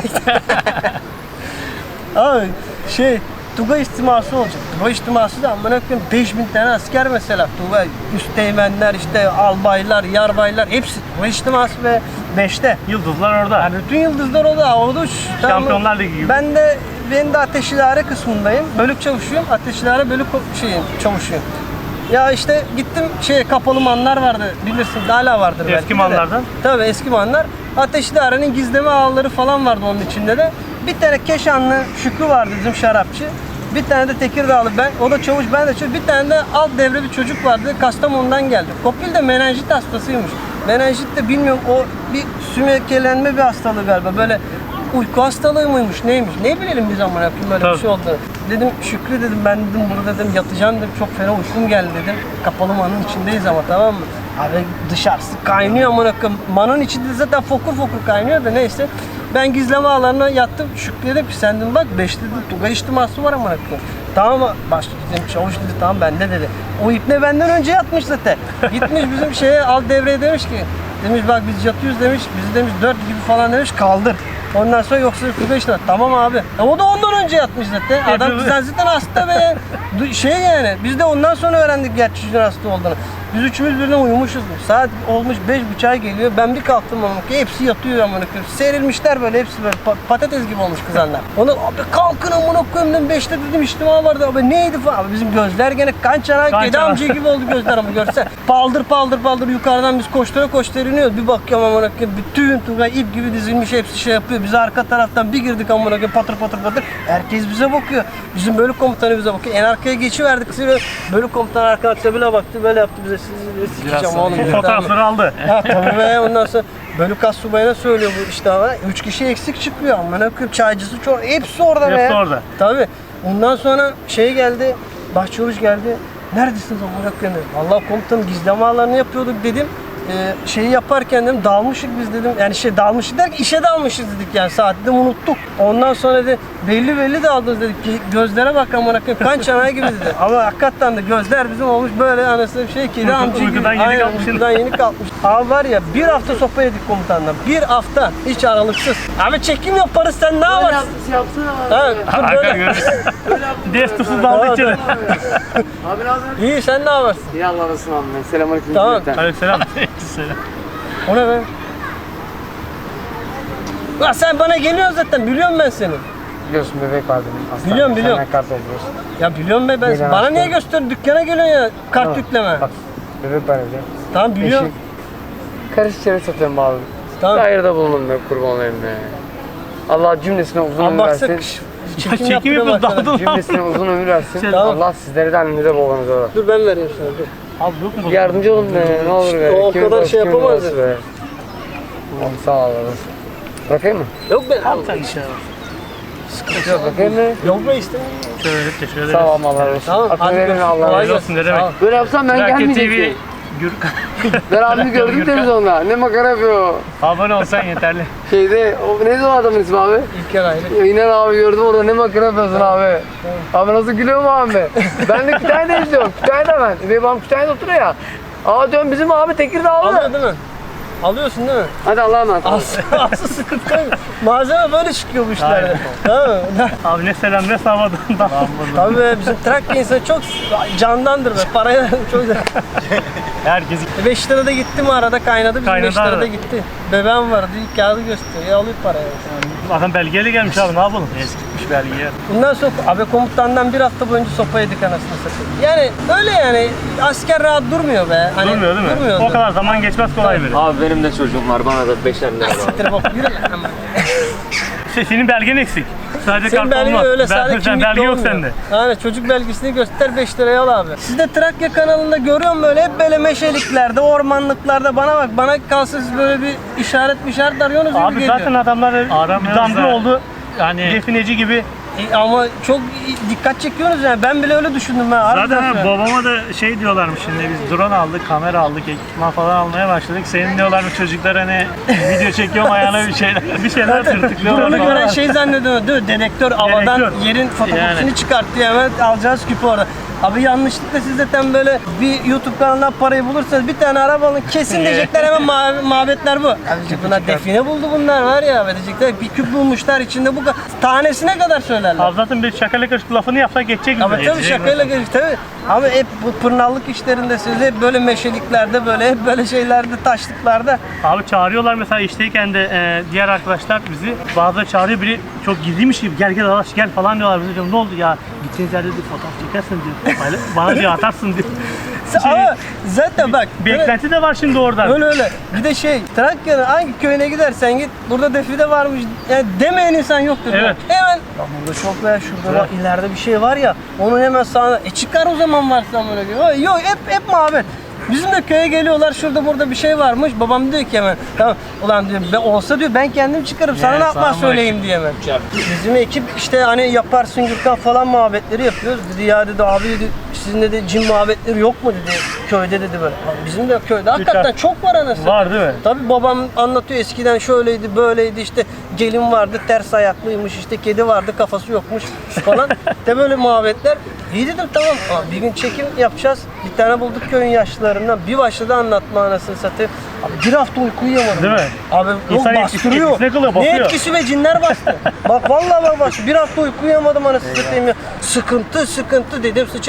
[SPEAKER 1] Abi şey Tugay istiması olacak. Tugay istiması da amına koyayım beş bin tane asker mesela. Tugay üsteğmenler işte albaylar, yarbaylar hepsi Tugay istiması ve beşte.
[SPEAKER 2] Yıldızlar orada.
[SPEAKER 1] Yani bütün yıldızlar o da orada şu- tamam mı?
[SPEAKER 2] Şampiyonlar Ligi gibi.
[SPEAKER 1] Ben de ben de ateş idare kısmındayım. Bölük çavuşuyum. Ateş idare bölük ko- şeyim çavuşuyum. Ya işte gittim şey kapalı manlar vardı bilirsin hala vardır belki
[SPEAKER 2] Eski
[SPEAKER 1] de.
[SPEAKER 2] manlardan.
[SPEAKER 1] Tabii eski manlar. Ateş idarenin gizleme ağları falan vardı onun içinde de. Bir tane Keşanlı Şükrü vardı bizim şarapçı. Bir tane de Tekirdağlı ben. O da çavuş ben de çavuş. Bir tane de alt devre bir çocuk vardı. Kastamonu'dan geldi. Kopil de menenjit hastasıymış. Menenjit de bilmiyorum o bir sümekelenme bir hastalığı galiba. Böyle uyku hastalığı mıymış neymiş ne bilelim biz ama yapayım böyle
[SPEAKER 2] Tabii.
[SPEAKER 1] bir şey oldu. Dedim Şükrü dedim ben dedim burada dedim yatacağım dedim çok fena uykum geldi dedim. Kapalı manın içindeyiz ama tamam mı? Abi dışarısı kaynıyor amına koyayım. Manın içinde zaten fokur fokur kaynıyor da neyse. Ben gizleme ağlarına yattım. Şükrü dedim ki sen dedim bak beş dedim Tugay içtiması var amına koyayım. Tamam mı? Başka dedim çavuş dedi tamam bende dedi. O ipne benden önce yatmış zaten. Gitmiş bizim şeye alt devreye demiş ki demiş bak biz yatıyoruz demiş. Bizi demiş dört gibi falan demiş kaldır. Ondan sonra yoksa Tugay işte tamam abi. E o da ondan önce yatmış zaten. Adam bizden zaten hasta be. Du- Şey yani biz de ondan sonra öğrendik gerçi çocuğun hasta olduğunu. Biz üçümüz birden uyumuşuz. Saat olmuş beş buçuğa geliyor. Ben bir kalktım ama hepsi yatıyor amına koyayım. Serilmişler böyle hepsi böyle pa- patates gibi olmuş kızanlar. Onu abi kalkın amına koyayım dedim. beşte dedim içtima vardı abi neydi falan. Abi bizim gözler gene kan çanağı
[SPEAKER 2] Kan
[SPEAKER 1] kedi
[SPEAKER 2] çanağı.
[SPEAKER 1] amca gibi oldu gözler ama görsen. Paldır paldır paldır yukarıdan biz koştura koştura iniyoruz. Bir bakıyorum amına koyayım bütün Tugay ip gibi dizilmiş hepsi şey yapıyor. Biz arka taraftan bir girdik amına koyayım patır patır patır. Herkes bize bakıyor. Bizim bölük komutanı bize bakıyor. En arkaya geçiverdik. Bölük komutanı arkadaşlar bile baktı böyle yaptı bize sizi sikeceğim oğlum.
[SPEAKER 2] Bu
[SPEAKER 1] dedi.
[SPEAKER 2] fotoğrafları aldı.
[SPEAKER 1] Ha tabii be ondan sonra bölük astsubayına söylüyor bu işte ama üç kişi eksik çıkıyor amına koyayım çaycısı çok hepsi orada be.
[SPEAKER 2] Hepsi orada.
[SPEAKER 1] Tabii. Ondan sonra şey geldi. Başçavuş geldi. Neredesiniz amına koyayım dedim. Vallahi komutanım gizleme ağlarını yapıyorduk dedim. Ee, şeyi yaparken dedim dalmışık biz dedim. Yani şey dalmışık derken işe dalmışız dedik yani saati de unuttuk. Ondan sonra dedi belli belli daldınız dedik ki gözlere bak amına koyayım kan çanağı gibi dedi. Ama hakikaten de gözler bizim olmuş böyle anasını bir şey kedi
[SPEAKER 2] Uyku-
[SPEAKER 1] amca gibi.
[SPEAKER 2] uykudan yeni
[SPEAKER 1] Aynen,
[SPEAKER 2] kalkmışsın.
[SPEAKER 1] uykudan yeni kalkmış. Abi var ya bir hafta sopa yedik komutanla. Bir hafta hiç aralıksız. Abi çekim yaparız sen ne yaparsın?
[SPEAKER 3] Yapsana abi.
[SPEAKER 1] Ha, dur
[SPEAKER 2] Arka
[SPEAKER 1] böyle.
[SPEAKER 2] görüyoruz. Destusuz daldı içeri.
[SPEAKER 3] Abi ne yapıyorsun?
[SPEAKER 1] İyi sen ne yaparsın?
[SPEAKER 3] İyi Allah razı olsun abi. Selamünaleyküm.
[SPEAKER 1] Tamam.
[SPEAKER 3] cümleten.
[SPEAKER 2] Aleykümselam.
[SPEAKER 1] O ne be? Lan sen bana geliyorsun zaten biliyorum ben seni.
[SPEAKER 3] Biliyorsun bebek var benim. Hastanede.
[SPEAKER 1] Biliyorum, biliyorum.
[SPEAKER 3] Senden kart alıyorsun.
[SPEAKER 1] Ya biliyorum be ben.
[SPEAKER 3] Gelen
[SPEAKER 1] Bana
[SPEAKER 3] hasta.
[SPEAKER 1] niye gösteriyorsun? Dükkana geliyorsun ya kart
[SPEAKER 3] Tamam.
[SPEAKER 1] yükleme.
[SPEAKER 3] Bak bebek var evde.
[SPEAKER 1] Tamam biliyorum.
[SPEAKER 3] Eşim. Karış içeri satıyorum abi.
[SPEAKER 1] Tamam.
[SPEAKER 3] Bir hayırda bulunun be kurban olayım be. Allah cümlesine uzun
[SPEAKER 1] Abi
[SPEAKER 3] ömür
[SPEAKER 1] baksak
[SPEAKER 3] versin.
[SPEAKER 1] çekim,
[SPEAKER 2] Çekim
[SPEAKER 1] yapıyorum
[SPEAKER 2] yapıyoruz
[SPEAKER 1] arkadaşlar.
[SPEAKER 2] daldın.
[SPEAKER 3] Cümlesine uzun ömür versin.
[SPEAKER 1] Tamam.
[SPEAKER 3] Allah sizlere de annenize babanıza da.
[SPEAKER 1] Dur ben vereyim sana dur.
[SPEAKER 2] Abi yok mu?
[SPEAKER 3] Yardımcı olun be ne olur be.
[SPEAKER 1] o
[SPEAKER 3] Kimin
[SPEAKER 1] kadar
[SPEAKER 3] babası,
[SPEAKER 1] şey
[SPEAKER 3] kimin
[SPEAKER 1] yapamaz
[SPEAKER 3] babası
[SPEAKER 1] ya.
[SPEAKER 3] be. Oğlum sağ ol oğlum. Bırakayım mı?
[SPEAKER 1] Yok be.
[SPEAKER 2] Al sen işe.
[SPEAKER 3] Yok bırakayım mı?
[SPEAKER 1] Yok be işte.
[SPEAKER 2] Şöyle teşekkür ederiz.
[SPEAKER 3] Sağ ol Allah razı olsun.
[SPEAKER 1] Tamam,
[SPEAKER 3] Hakkını
[SPEAKER 1] hadi
[SPEAKER 3] verin
[SPEAKER 1] görüşürüz.
[SPEAKER 3] Allah
[SPEAKER 1] Kolay
[SPEAKER 3] razı olsun.
[SPEAKER 2] olsun ne demek.
[SPEAKER 1] Sağ ol.
[SPEAKER 3] Böyle yapsam ben
[SPEAKER 2] Trakya T V
[SPEAKER 3] gelmeyecektim.
[SPEAKER 2] Gürkan.
[SPEAKER 3] Ben abimi gördüm
[SPEAKER 2] Gürkan.
[SPEAKER 3] televizyonda. Ne makara yapıyor.
[SPEAKER 2] Abone olsan yeterli.
[SPEAKER 3] Şeyde, o neydi o adamın ismi abi?
[SPEAKER 1] İlker ayrı.
[SPEAKER 3] Ya İnan abi gördüm orada ne makara yapıyorsun abi. Abi nasıl gülüyor mu abi? Ben de Kütahya'da izliyorum. Kütahya'da ben. Benim babam Kütahya'da oturuyor ya. Aa diyorum bizim abi Tekirdağlı.
[SPEAKER 1] Alıyor değil mi? Alıyorsun değil mi?
[SPEAKER 3] Hadi Allah'a emanet.
[SPEAKER 1] Aslı, aslı sıkıntı yok. Malzeme böyle çıkıyor bu işlerde.
[SPEAKER 2] Aynen.
[SPEAKER 1] Tamam mı?
[SPEAKER 2] Abi ne selam ne savadan.
[SPEAKER 1] Tabii be, bizim Trakya insanı çok candandır be. Paraya çok
[SPEAKER 2] Herkes
[SPEAKER 1] beş lirada gitti mi arada kaynadı, bizim
[SPEAKER 2] Kaynadı
[SPEAKER 1] beş lirada
[SPEAKER 2] arada.
[SPEAKER 1] gitti. Bebeğim vardı, ilk kağıdı gösteriyor, alıyor parayı.
[SPEAKER 2] adam belgeyle gelmiş abi ne yapalım? Eskitmiş belgeyi.
[SPEAKER 1] Bundan sonra abi komutandan bir hafta boyunca sopa yedik anasını satayım. Yani öyle yani, asker rahat durmuyor be. Hani,
[SPEAKER 2] Durmuyor değil mi?
[SPEAKER 1] Durmuyor.
[SPEAKER 2] O kadar zaman geçmez kolay böyle.
[SPEAKER 3] Abi benim de çocuğum var bana da beşer lira var.
[SPEAKER 1] Siktir bak, yürü lan.
[SPEAKER 2] Se- Senin belgen eksik. Sadece
[SPEAKER 1] Senin
[SPEAKER 2] kart
[SPEAKER 1] belge
[SPEAKER 2] olmaz.
[SPEAKER 1] öyle
[SPEAKER 2] Ben-
[SPEAKER 1] sadece
[SPEAKER 2] sen
[SPEAKER 1] kimlikle
[SPEAKER 2] belge yok
[SPEAKER 1] olmuyor.
[SPEAKER 2] sende.
[SPEAKER 1] Yani çocuk belgesini göster beş liraya al abi. Siz de Trakya kanalında görüyorum böyle hep böyle meşeliklerde, ormanlıklarda bana bak bana kalsa siz böyle bir işaret işaret arıyorsunuz gibi
[SPEAKER 2] Abi
[SPEAKER 1] geliyor.
[SPEAKER 2] zaten adamlar
[SPEAKER 4] Aramıyoruz
[SPEAKER 2] damga
[SPEAKER 4] da.
[SPEAKER 2] oldu.
[SPEAKER 4] Yani
[SPEAKER 2] Defineci gibi.
[SPEAKER 1] E, ama çok dikkat çekiyorsunuz yani ben bile öyle düşündüm ben. harbiden
[SPEAKER 4] zaten ha,
[SPEAKER 1] söylüyorum.
[SPEAKER 4] babama da şey diyorlarmış şimdi biz drone aldık, kamera aldık, ekipman falan almaya başladık. Senin diyorlarmış çocuklar hani video çekiyorum ayağına bir şeyler bir şeyler tırtıklıyorlar
[SPEAKER 1] Drone'u gören
[SPEAKER 4] falan.
[SPEAKER 1] şey zannediyor değil mi? Dedektör havadan
[SPEAKER 2] Dedektör.
[SPEAKER 1] yerin fotokopisini
[SPEAKER 4] Yani.
[SPEAKER 1] çıkartıyor hemen alacağız küpü orada. Abi yanlışlıkla siz zaten böyle bir YouTube kanalından parayı bulursanız bir tane araba alın kesin diyecekler hemen ma- muhabbetler bu. Abicim bunlar define buldu bunlar var ya diyecekler bir küp bulmuşlar içinde bu ka- tanesine kadar söylerler.
[SPEAKER 2] Abi zaten bir şakayla karışık lafını yapsak geçecek bize.
[SPEAKER 1] Ama tabii şakayla geçti tabii. Ama hep bu pırnallık işlerinde siz hep böyle meşeliklerde böyle hep böyle şeylerde taşlıklarda.
[SPEAKER 2] Abi çağırıyorlar mesela işteyken de e, diğer arkadaşlar bizi bazıları çağırıyor biri çok gizliymiş gibi gel gel Alaş gel falan diyorlar bize diyorum ne oldu ya gideceğiz yerde diyor fotoğraf çekersin diyor Payla- bana diyor atarsın diyor. Şey,
[SPEAKER 1] Ama zaten bak
[SPEAKER 2] bir eklenti de var şimdi oradan.
[SPEAKER 1] öyle öyle. Bir de şey Trakya'nın hangi köyüne gidersen git burada defile varmış yani demeyen insan yoktur.
[SPEAKER 2] Evet.
[SPEAKER 1] Hemen ya burada çok veya şurada bak, ileride bir şey var ya onu hemen sağına e çıkar o zaman varsa böyle diyor. Yok hep hep muhabbet. Bizim de köye geliyorlar şurada burada bir şey varmış. Babam diyor ki hemen tamam ulan diyor be, olsa diyor ben kendim çıkarım sana
[SPEAKER 4] Yani
[SPEAKER 1] ne yapmaz
[SPEAKER 4] sana
[SPEAKER 1] söyleyeyim diye hemen. Bizim ekip işte hani yaparsın Gürkan falan muhabbetleri yapıyoruz. Dedi ya dedi abi dedi sizin de cin muhabbetleri yok mu dedi köyde dedi böyle. Abi bizim de köyde hakikaten çok var anasını.
[SPEAKER 2] Var değil mi?
[SPEAKER 1] Tabii babam anlatıyor eskiden şöyleydi böyleydi işte gelin vardı ters ayaklıymış işte kedi vardı kafası yokmuş falan. De böyle muhabbetler. İyi dedim tamam ama bir gün çekim yapacağız. Bir tane bulduk köyün yaşlılarından. Bir başladı anlatma anasını satayım. Abi bir hafta uyku uyuyamadım.
[SPEAKER 2] Değil mi?
[SPEAKER 1] Abi yok
[SPEAKER 2] İnsan etkisi-
[SPEAKER 1] bastırıyor.
[SPEAKER 2] etkisine kalıyor,
[SPEAKER 1] Ne
[SPEAKER 2] basıyor.
[SPEAKER 1] etkisi be cinler bastı. Bak vallahi bak bastı. Bir hafta uyku uyuyamadım anasını satayım ya. Sıkıntı sıkıntı dedim sıçarım dedim.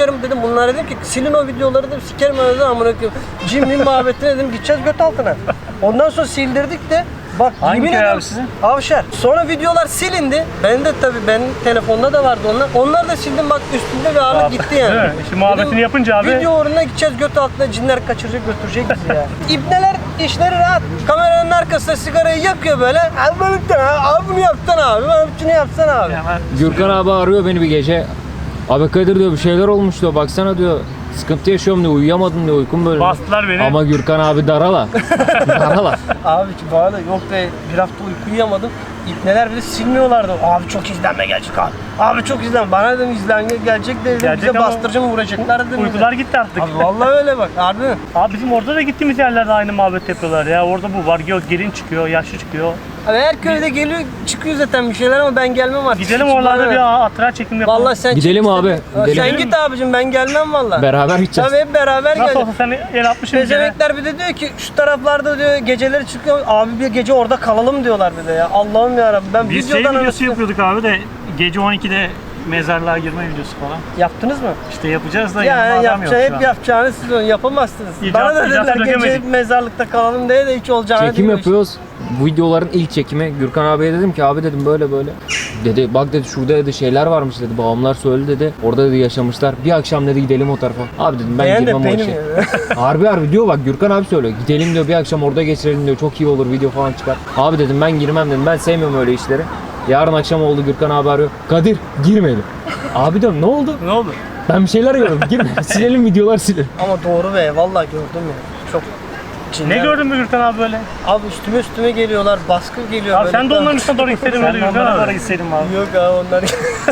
[SPEAKER 1] bunlara dedim ki silin o videoları dedim sikerim önünüze amına koyayım. Cimri muhabbetine dedim gideceğiz göt altına. Ondan sonra sildirdik de bak
[SPEAKER 4] Hangi
[SPEAKER 1] yemin
[SPEAKER 4] köy
[SPEAKER 1] ederim
[SPEAKER 4] abi sizin?
[SPEAKER 1] Avşar. Sonra videolar silindi. Ben de tabii benim telefonda da vardı onlar. Onları da sildim bak üstünde bir ağırlık gitti yani.
[SPEAKER 2] Değil mi? İşte muhabbetini
[SPEAKER 1] Dedim,
[SPEAKER 2] yapınca abi-
[SPEAKER 1] Video uğruna gideceğiz göt altına cinler kaçıracak götürecek bizi ya. İbneler işleri rahat. Kameranın arkasında sigarayı yakıyor böyle. Abi bunu abi bunu yapsana abi. Bana şunu yapsana abi.
[SPEAKER 2] Hemen
[SPEAKER 3] Gürkan abi arıyor beni bir gece. Abi Kadir diyor bir şeyler olmuş diyor. Baksana diyor. Sıkıntı yaşıyorum diyor. Uyuyamadım diyor. Uykum böyle.
[SPEAKER 2] bastılar beni.
[SPEAKER 3] Ama Gürkan abi darala. darala.
[SPEAKER 1] Abi ki bana da yok be bir hafta uyku uyuyamadım. İbneler bile silmiyorlardı. Abi çok izlenme gelecek abi. Abi çok izlenme. Bana dedim izlenme gelecek de dedim
[SPEAKER 2] Gelecek
[SPEAKER 1] bize
[SPEAKER 2] ama
[SPEAKER 1] bastırıcı mı vuracaklar dedim.
[SPEAKER 2] Uykular gitti artık.
[SPEAKER 1] Abi vallahi öyle bak harbi mi?
[SPEAKER 2] Abi bizim orada da gittiğimiz yerlerde aynı muhabbet yapıyorlar ya. Orada bu var, yok gelin çıkıyor, yaşlı çıkıyor.
[SPEAKER 1] Abi her köyde geliyor çıkıyor zaten bir şeyler ama ben gelmem artık.
[SPEAKER 2] Gidelim
[SPEAKER 1] Hiç
[SPEAKER 2] oralarda
[SPEAKER 1] bana
[SPEAKER 2] bir
[SPEAKER 1] ne?
[SPEAKER 2] hatıra çekim yapalım.
[SPEAKER 1] Vallahi sen
[SPEAKER 3] Gidelim
[SPEAKER 1] çık
[SPEAKER 3] abi,
[SPEAKER 1] istedin.
[SPEAKER 3] gidelim.
[SPEAKER 1] Sen git abicim ben gelmem vallahi.
[SPEAKER 3] Beraber gideceğiz.
[SPEAKER 1] Tabii hep beraber
[SPEAKER 2] Nasıl
[SPEAKER 1] geleceğiz.
[SPEAKER 2] olsa sen el atmışsın bir kere.
[SPEAKER 1] Pezevenkler bir de diyor ki şu taraflarda diyor geceleri çıkıyor. Abi bir gece orada kalalım diyorlar bir de ya. Allah'ım yarabbim ben
[SPEAKER 4] Biz şey
[SPEAKER 1] videodan
[SPEAKER 4] videosu
[SPEAKER 1] anasını-
[SPEAKER 4] yapıyorduk abi de gece on ikide mezarlığa girme videosu falan.
[SPEAKER 1] Yaptınız mı?
[SPEAKER 4] İşte yapacağız da
[SPEAKER 1] Ya
[SPEAKER 4] yanımda adam yok
[SPEAKER 1] yapacağı,
[SPEAKER 4] şu
[SPEAKER 1] hep
[SPEAKER 4] an.
[SPEAKER 1] yapacağını siz onu yapamazsınız.
[SPEAKER 2] İcat-
[SPEAKER 1] Bana da
[SPEAKER 2] icatı
[SPEAKER 1] dediler gece
[SPEAKER 2] dökemedik.
[SPEAKER 1] mezarlıkta kalalım diye de hiç olacağını
[SPEAKER 3] Çekim
[SPEAKER 1] değil.
[SPEAKER 3] yapıyoruz. Bu videoların ilk çekimi. Gürkan abiye dedim ki abi dedim böyle böyle. Dedi bak dedi şurada dedi şeyler varmış dedi. Babamlar söyledi dedi. Orada dedi yaşamışlar. Bir akşam dedi gidelim o tarafa. Abi dedim ben
[SPEAKER 1] Beğen de
[SPEAKER 3] girmem o
[SPEAKER 1] benim
[SPEAKER 3] işe.
[SPEAKER 1] ya.
[SPEAKER 3] Harbi harbi diyor bak Gürkan abi söylüyor. Gidelim diyor bir akşam orada geçirelim diyor. Çok iyi olur video falan çıkar. Abi dedim ben girmem dedim. Ben sevmiyorum öyle işleri. Yarın akşam oldu Gürkan abi arıyor. Kadir girmedim. Abi diyorum ne oldu?
[SPEAKER 2] Ne oldu?
[SPEAKER 3] Ben bir şeyler gördüm. Girme. Silelim videolar silelim.
[SPEAKER 1] Ama doğru be vallahi gördüm ya. Çok cinler.
[SPEAKER 2] Ne gördün mü Gürkan abi böyle?
[SPEAKER 1] Abi üstüme üstüme geliyorlar, baskı geliyor
[SPEAKER 2] Abi
[SPEAKER 1] böyle.
[SPEAKER 2] sen de onların üstüne doğru gitseydin
[SPEAKER 4] Ben
[SPEAKER 2] öyle
[SPEAKER 4] de
[SPEAKER 2] Gürkan
[SPEAKER 4] onlara
[SPEAKER 2] abi.
[SPEAKER 4] da gitseydim abi.
[SPEAKER 1] Yok abi onlar.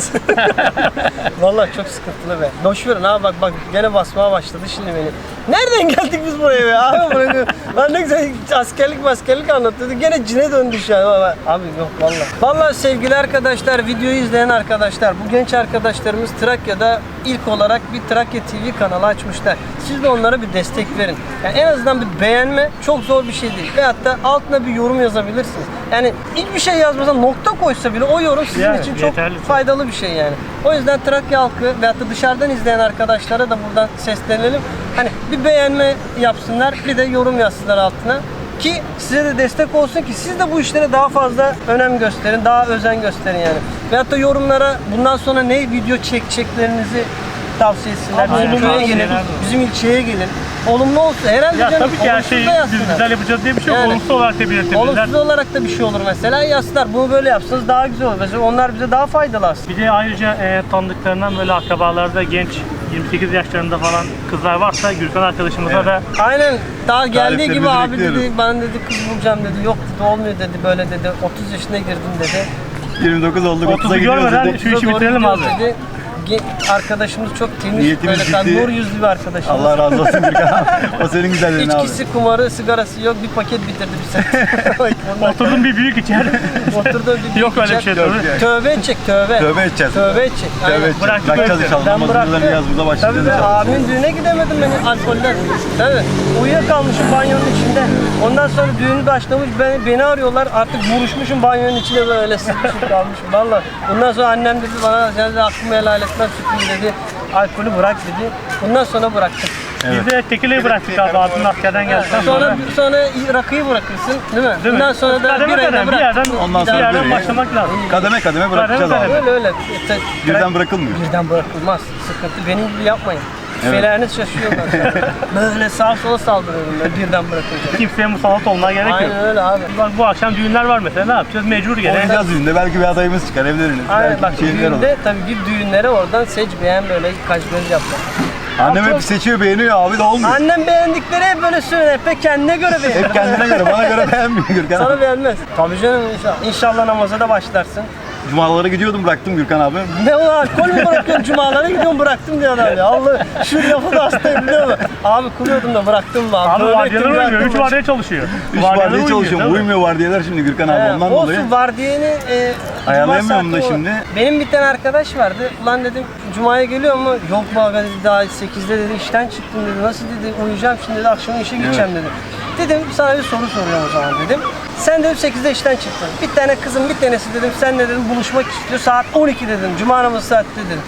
[SPEAKER 1] Vallahi çok sıkıntılı be. Boş verin abi bak bak gene basmaya başladı şimdi beni. Nereden geldik biz buraya be abi? Buraya, lan ne güzel askerlik maskerlik anlatıyorduk. Gene cine döndü şu an. Abi, abi yok vallahi. Vallahi sevgili arkadaşlar, videoyu izleyen arkadaşlar, bu genç arkadaşlarımız Trakya'da ilk olarak bir Trakya T V kanalı açmışlar. Siz de onlara bir destek verin. Yani en azından bir beğenme çok zor bir şey değil. Veyahut da altına bir yorum yazabilirsiniz. Yani hiçbir şey yazmasan nokta koysa bile o yorum sizin
[SPEAKER 2] Yani
[SPEAKER 1] için çok
[SPEAKER 4] yeterli.
[SPEAKER 1] faydalı bir şey yani. O yüzden Trakya halkı veyahut da dışarıdan izleyen arkadaşlara da buradan seslenelim. Hani bir beğenme yapsınlar, bir de yorum yazsınlar altına. Ki size de destek olsun ki siz de bu işlere daha fazla önem gösterin, daha özen gösterin yani. Veyahut da yorumlara bundan sonra ne video çekeceklerinizi tavsiye etsinler. Bizim
[SPEAKER 2] Aynen,
[SPEAKER 1] köye gelin,
[SPEAKER 4] tavsiyeler de olur.
[SPEAKER 1] bizim ilçeye gelin. Olumlu olsun. Herhalde
[SPEAKER 2] Ya
[SPEAKER 1] canım,
[SPEAKER 2] tabii ki her
[SPEAKER 1] olumsuz
[SPEAKER 2] şeyi
[SPEAKER 1] da
[SPEAKER 2] biz
[SPEAKER 1] yazsınlar.
[SPEAKER 2] güzel yapacağız diye bir şey yok.
[SPEAKER 1] Yani.
[SPEAKER 2] Olumsuz olarak da belirtebilirler.
[SPEAKER 1] Olumsuz olarak da bir şey olur mesela. Yazsınlar bunu böyle yapsanız daha güzel olur. Mesela onlar bize daha faydalı aslında.
[SPEAKER 2] Bir de ayrıca e, tanıdıklarından böyle akrabalarda genç yirmi sekiz yaşlarında falan kızlar varsa Gürkan arkadaşımıza da
[SPEAKER 1] Aynen daha geldiği gibi
[SPEAKER 5] Tariflerimizi
[SPEAKER 1] abi
[SPEAKER 5] bekliyoruz.
[SPEAKER 1] dedi ben dedi kız bulacağım dedi yok dedi olmuyor dedi böyle dedi otuz yaşına girdim dedi.
[SPEAKER 5] yirmi dokuz olduk,
[SPEAKER 2] otuzu
[SPEAKER 5] otuza gidiyoruz
[SPEAKER 2] görmeden
[SPEAKER 5] dedik.
[SPEAKER 2] şu işi
[SPEAKER 1] Doğru
[SPEAKER 2] bitirelim
[SPEAKER 1] gidiyoruz
[SPEAKER 2] abi.
[SPEAKER 1] dedi. Ge- Arkadaşımız çok temiz
[SPEAKER 5] Niyetimiz
[SPEAKER 1] böyle kan
[SPEAKER 5] ciddi.
[SPEAKER 1] nur yüzlü bir arkadaşımız.
[SPEAKER 5] Allah razı olsun Gürkan. O senin güzelliğin abi.
[SPEAKER 1] İçkisi, kumarı, sigarası yok. Bir paket bitirdi bir sene.
[SPEAKER 2] oturdum bir büyük içer.
[SPEAKER 1] Oturdu bir
[SPEAKER 2] Yok öyle bir şey
[SPEAKER 5] Yok
[SPEAKER 2] tabii.
[SPEAKER 5] yani.
[SPEAKER 1] Tövbe edecek tövbe.
[SPEAKER 5] Tövbe edeceğiz.
[SPEAKER 1] Tövbe edecek.
[SPEAKER 5] Tövbe
[SPEAKER 1] Aynen.
[SPEAKER 5] edeceğiz.
[SPEAKER 2] Bıraktık
[SPEAKER 5] Bırakacağız
[SPEAKER 2] öyle.
[SPEAKER 5] inşallah.
[SPEAKER 1] Ben
[SPEAKER 5] Namazımızdan
[SPEAKER 1] bıraktım.
[SPEAKER 5] yaz burada
[SPEAKER 1] Tabii
[SPEAKER 5] başlayacağız.
[SPEAKER 1] be
[SPEAKER 5] inşallah.
[SPEAKER 1] abimin düğüne gidemedim ben alkolden. Tabii. Uyuyakalmışım banyonun içinde. Ondan sonra düğünü başlamış beni, beni arıyorlar. Artık vuruşmuşum banyonun içinde böyle sıkışıp kalmışım. Valla. Bundan sonra annem dedi bana sen de aklımı helal etmez sütüm dedi. Alkolü bırak dedi. Bundan sonra bıraktım.
[SPEAKER 2] Biz de tekileyi bıraktık abi. Abim askerden geldikten
[SPEAKER 1] Sonra
[SPEAKER 2] sonra.
[SPEAKER 1] sonra rakıyı bırakırsın değil mi?
[SPEAKER 2] Değil mi?
[SPEAKER 1] Bundan sonra da
[SPEAKER 2] Kademe
[SPEAKER 1] bir ayda
[SPEAKER 2] kademe, bir
[SPEAKER 1] bırak.
[SPEAKER 2] yerden,
[SPEAKER 5] Ondan
[SPEAKER 2] bir
[SPEAKER 5] sonra
[SPEAKER 2] yerden
[SPEAKER 5] bir-
[SPEAKER 2] başlamak lazım.
[SPEAKER 5] Kademe kademe bırakacağız
[SPEAKER 2] Kademe
[SPEAKER 5] abi.
[SPEAKER 1] Öyle öyle. Te-
[SPEAKER 5] Birden bırakılmıyor.
[SPEAKER 1] Birden bırakılmaz. Sıkıntı. Benim gibi yapmayın.
[SPEAKER 5] Evet.
[SPEAKER 1] Feleriniz şaşıyorlar. Böyle sağa sola saldırıyorum ben birden bırakınca.
[SPEAKER 2] Kimseye musallat olmaya gerek yok.
[SPEAKER 1] Aynen öyle abi.
[SPEAKER 2] Bak bu akşam düğünler var mesela ne yapacağız? Mecbur gene.
[SPEAKER 5] Oynayacağız düğünde. Belki bir adayımız çıkar evleniriz.
[SPEAKER 1] Aynen
[SPEAKER 5] Belki
[SPEAKER 1] bak
[SPEAKER 5] bir şeyler olur.
[SPEAKER 1] düğünde tabii bir düğünlere oradan seç beğen böyle kaç göz yapacak.
[SPEAKER 5] Annem
[SPEAKER 1] Çok-
[SPEAKER 5] hep seçiyor beğeniyor abi de olmuyor.
[SPEAKER 1] Annem beğendikleri hep böyle söylüyor. Hep kendine göre beğeniyor.
[SPEAKER 5] Hep kendine göre bana göre beğenmiyor Gürkan
[SPEAKER 1] Sana
[SPEAKER 5] abi.
[SPEAKER 1] beğenmez. Tabii canım inşallah. İnşallah namaza da başlarsın.
[SPEAKER 5] Cumalara gidiyordum bıraktım Gürkan abi.
[SPEAKER 1] Ne o alkol mü bırakıyorsun cumalara gidiyorum bıraktım diyor adam ya. Allah şu lafı da hastayım biliyor musun? Abi kuruyordum da bıraktım mı abi.
[SPEAKER 2] Abi
[SPEAKER 1] Böyle
[SPEAKER 2] vardiyalar
[SPEAKER 1] ettim,
[SPEAKER 2] uymuyor.
[SPEAKER 1] bıraktım.
[SPEAKER 2] Üç vardiya çalışıyor.
[SPEAKER 5] Üç
[SPEAKER 2] Vardiyalar
[SPEAKER 5] vardiya çalışıyorum.
[SPEAKER 2] tabii.
[SPEAKER 5] Uymuyor vardiyalar şimdi Gürkan abi
[SPEAKER 1] He,
[SPEAKER 5] ondan
[SPEAKER 1] olsun
[SPEAKER 5] dolayı.
[SPEAKER 1] vardiyeni e,
[SPEAKER 5] Ayarlayamıyorum
[SPEAKER 1] cuma
[SPEAKER 5] da
[SPEAKER 1] saati o.
[SPEAKER 5] şimdi.
[SPEAKER 1] Benim bir tane arkadaş vardı. Ulan dedim cumaya geliyor mu? Yok be abi dedi daha sekizde dedi işten çıktım dedi. Nasıl dedi uyuyacağım şimdi dedi akşam işe gideceğim dedi. Dedim sana bir soru soruyorum o zaman dedim. Sen dedim sekizde işten çıktın. Bir tane kızım bir tanesi dedim sen de dedim buluşmak istiyor saat on iki dedim. Cuma namazı saati dedim.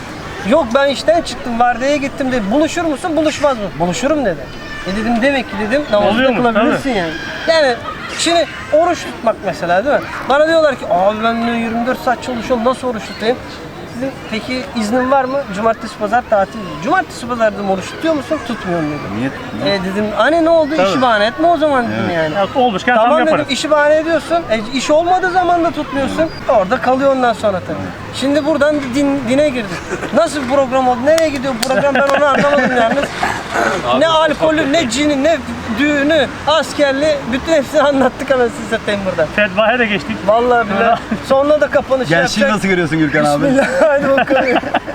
[SPEAKER 1] Yok ben işten çıktım, vardiyaya gittim dedi. Buluşur musun, buluşmaz mı? Buluşurum dedi. E dedim demek ki dedim namazı da
[SPEAKER 2] Oluyormuş,
[SPEAKER 1] kılabilirsin yani. Yani şimdi oruç tutmak mesela değil mi? Bana diyorlar ki abi ben de yirmi dört saat çalışıyorum, nasıl oruç tutayım? Dedim peki iznin var mı? Cumartesi pazar tatil. Cumartesi pazar dedim oruç tutuyor musun? Tutmuyorum dedim.
[SPEAKER 5] Niye?
[SPEAKER 1] E dedim hani ne oldu, işi bahane etme o zaman dedim yani.
[SPEAKER 2] Ya, olmuşken tam
[SPEAKER 1] Tamam
[SPEAKER 2] yaparız.
[SPEAKER 1] dedim, işi bahane ediyorsun. E, iş olmadığı zaman da tutmuyorsun. Orada kalıyor ondan sonra tabii. Şimdi buradan din, dine girdik. Nasıl bir program oldu? Nereye gidiyor bu program? Ben onu anlamadım yalnız. Ne alkolü, ne cini, ne düğünü, askerli, bütün hepsini anlattık anasını satayım burada.
[SPEAKER 2] Fetvaya da geçtik.
[SPEAKER 1] Vallahi billahi. Sonra da kapanış
[SPEAKER 5] Gençliği
[SPEAKER 1] yapacak.
[SPEAKER 5] nasıl görüyorsun Gürkan abi?
[SPEAKER 1] Bismillah, hadi bakalım.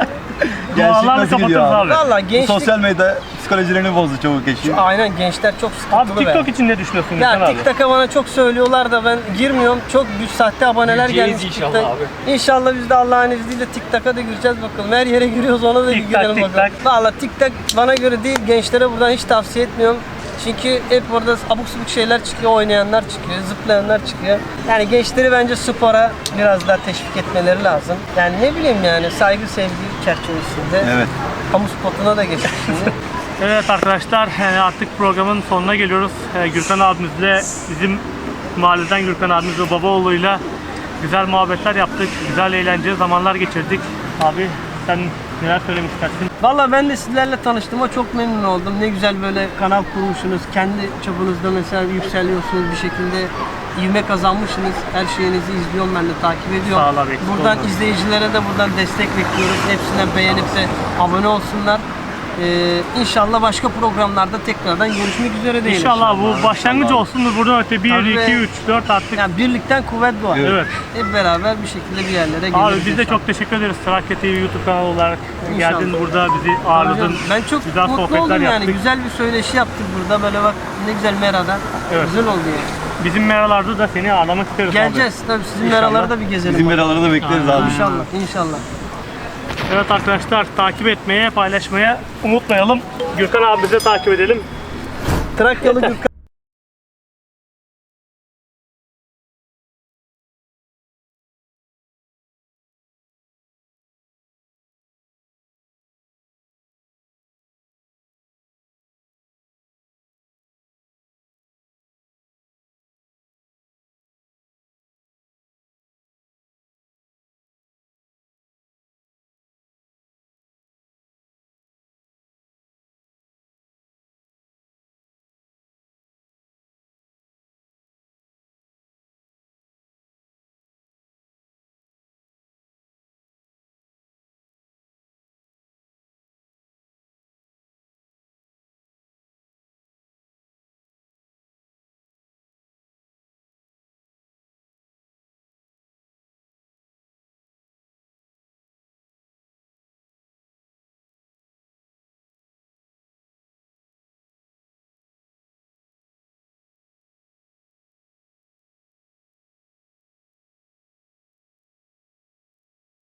[SPEAKER 5] Gençlik
[SPEAKER 2] Dualarla
[SPEAKER 5] nasıl gidiyor
[SPEAKER 2] kapatırız
[SPEAKER 5] abi?
[SPEAKER 2] abi.
[SPEAKER 1] Vallahi
[SPEAKER 5] Bu
[SPEAKER 1] gençlik...
[SPEAKER 5] sosyal medya psikolojilerini bozdu çabuk geçiyor.
[SPEAKER 1] Aynen, gençler çok sıkıntılı
[SPEAKER 2] Abi
[SPEAKER 1] be.
[SPEAKER 2] TikTok için ne düşünüyorsun Gürkan
[SPEAKER 1] Ya
[SPEAKER 2] abi?
[SPEAKER 1] TikTok'a bana çok söylüyorlar da ben girmiyorum. Çok büyük sahte aboneler
[SPEAKER 3] Gireceğiz
[SPEAKER 1] gelmiş
[SPEAKER 3] inşallah
[SPEAKER 1] TikTok.
[SPEAKER 3] abi.
[SPEAKER 1] İnşallah biz de Allah'ın izniyle TikTok'a da gireceğiz bakalım. Her yere giriyoruz, ona da
[SPEAKER 2] TikTok,
[SPEAKER 1] girelim bakalım.
[SPEAKER 2] TikTok.
[SPEAKER 1] Valla TikTok bana göre değil, gençlere buradan hiç tavsiye etmiyorum. Çünkü hep orada abuk subuk şeyler çıkıyor, oynayanlar çıkıyor, zıplayanlar çıkıyor. Yani gençleri bence spora biraz daha teşvik etmeleri lazım. Yani ne bileyim yani saygı sevgi çerçevesinde.
[SPEAKER 5] Evet.
[SPEAKER 1] Kamu spotuna da geçtik şimdi.
[SPEAKER 2] Evet arkadaşlar e, artık programın sonuna geliyoruz. E, Gürkan abimizle bizim mahalleden Gürkan abimiz ve Babaoğlu'yla güzel muhabbetler yaptık. Güzel eğlenceli zamanlar geçirdik. Abi sen neler söylemek istersin?
[SPEAKER 1] Valla ben de sizlerle tanıştığıma çok memnun oldum. Ne güzel böyle kanal kurmuşsunuz. Kendi çapınızda mesela yükseliyorsunuz bir şekilde. İvme kazanmışsınız. Her şeyinizi izliyorum, ben de takip ediyorum.
[SPEAKER 2] Sağ ol abi, eksik
[SPEAKER 1] Buradan
[SPEAKER 2] olma.
[SPEAKER 1] izleyicilere de buradan destek bekliyoruz. Hepsinden beğenip de abone olsunlar. Ee, inşallah başka programlarda tekrardan görüşmek üzere diyelim.
[SPEAKER 2] İnşallah bu başlangıç olsun. Buradan öte bir,
[SPEAKER 1] Tabii.
[SPEAKER 2] iki, üç, dört artık.
[SPEAKER 1] Yani birlikten kuvvet doğar.
[SPEAKER 2] Evet.
[SPEAKER 1] Hep beraber bir şekilde bir yerlere geliriz.
[SPEAKER 2] Abi biz de
[SPEAKER 1] inşallah.
[SPEAKER 2] çok teşekkür ederiz. Trakya T V YouTube kanalı olarak
[SPEAKER 1] İnşallah.
[SPEAKER 2] geldin burada bizi
[SPEAKER 1] Tabii
[SPEAKER 2] ağırladın.
[SPEAKER 1] canım. Ben çok
[SPEAKER 2] güzel
[SPEAKER 1] mutlu
[SPEAKER 2] sohbetler
[SPEAKER 1] oldum yani.
[SPEAKER 2] yaptık.
[SPEAKER 1] Güzel bir söyleşi yaptık burada. Böyle bak ne güzel Mera'da.
[SPEAKER 2] Evet.
[SPEAKER 1] Güzel oldu yani.
[SPEAKER 2] Bizim meralarda da seni ağırlamak isteriz
[SPEAKER 1] Geleceğiz tabii, sizin
[SPEAKER 2] İnşallah.
[SPEAKER 1] meraları da bir gezelim.
[SPEAKER 5] Bizim veraları da bekleriz abi.
[SPEAKER 1] İnşallah, inşallah.
[SPEAKER 2] abi. Evet arkadaşlar takip etmeye, paylaşmaya unutmayalım. Gürkan abimizi takip edelim.
[SPEAKER 1] Trakyalı Gürkan.